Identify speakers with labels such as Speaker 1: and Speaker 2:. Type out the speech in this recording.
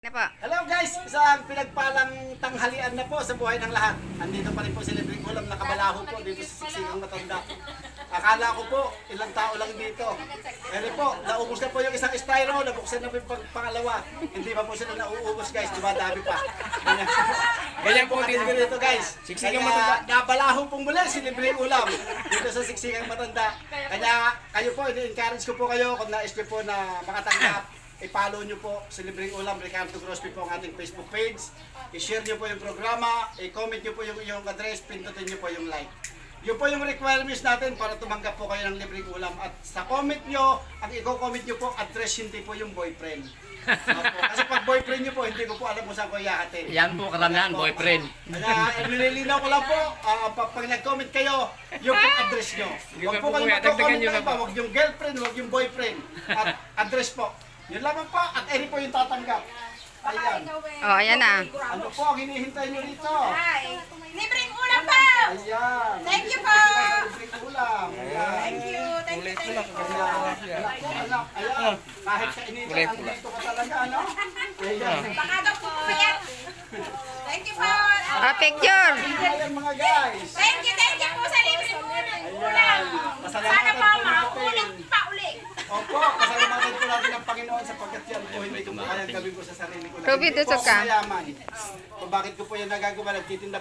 Speaker 1: Na po.
Speaker 2: Hello guys! Isang pinagpalang tanghalian na po sa buhay ng lahat. Andito pa rin po si Libreng Ulam, nakabalaho po dito sa Siksikang Matanda. Akala ko po, ilang tao lang dito. Pero po, naubos na po yung isang styro, nabuksan na po yung pangalawa. Hindi pa po sila nauubos guys, diba dami pa. Ganyan po dito guys.
Speaker 3: Siksikang
Speaker 2: Kaya
Speaker 3: Matanda.
Speaker 2: nabalaho pong muli si Libreng Ulam dito sa Siksikang Matanda. Kaya kayo po, i-encourage ko po kayo kung nais nyo po na makatanggap. I-follow nyo po si Libreng Ulam, Ricardo Grosby po ang ating Facebook page. I-share nyo po yung programa, i-comment nyo po yung address, pindutin nyo po yung like. Yun po yung requirements natin para tumanggap po kayo ng Libreng Ulam. At sa comment nyo, ang i-comment nyo po, address hindi po yung boyfriend. Opo. Kasi pag boyfriend nyo po, hindi ko po alam kung saan ko iyahatin.
Speaker 3: Yan po karamihan, boyfriend.
Speaker 2: Kaya nililinaw ko lang po, pag nag-comment kayo, yung po address nyo. Huwag po kayo mag-comment na iba, huwag yung girlfriend, huwag yung boyfriend. At address po. Yun lamang po, at Eri po yung tatanggap. Ayan.
Speaker 1: Oh, ayan na.
Speaker 2: Ano po ang hinihintay nyo rito?
Speaker 4: Hi! Libreng ulam po!
Speaker 2: Ayan.
Speaker 4: Thank you po!
Speaker 2: Libreng ulam. Ayan.
Speaker 4: Thank you! Thank you! Thank you!
Speaker 2: Anak po, anak. Ayan. Kahit kainitan, andito ka talaga, ano? Ayan.
Speaker 4: Baka daw po puyat! Thank you po!
Speaker 1: Ah, picture.
Speaker 2: Ayan mga guys.
Speaker 4: Thank you po sa libreng ulam!
Speaker 2: Ayan.
Speaker 4: Sana
Speaker 2: Pasalamatan
Speaker 4: po
Speaker 2: po natin.
Speaker 4: mauulit pa uli!
Speaker 2: Opo, pasalamatan po natin ang Panginoon sapagkat yan po hindi ko kayang gawin ko sa sarili ko.
Speaker 1: Ruby,
Speaker 2: Hindi po
Speaker 1: tusok
Speaker 2: ako
Speaker 1: ka.
Speaker 2: mayaman. Kung bakit ko po yan nagagawa, nagtitinda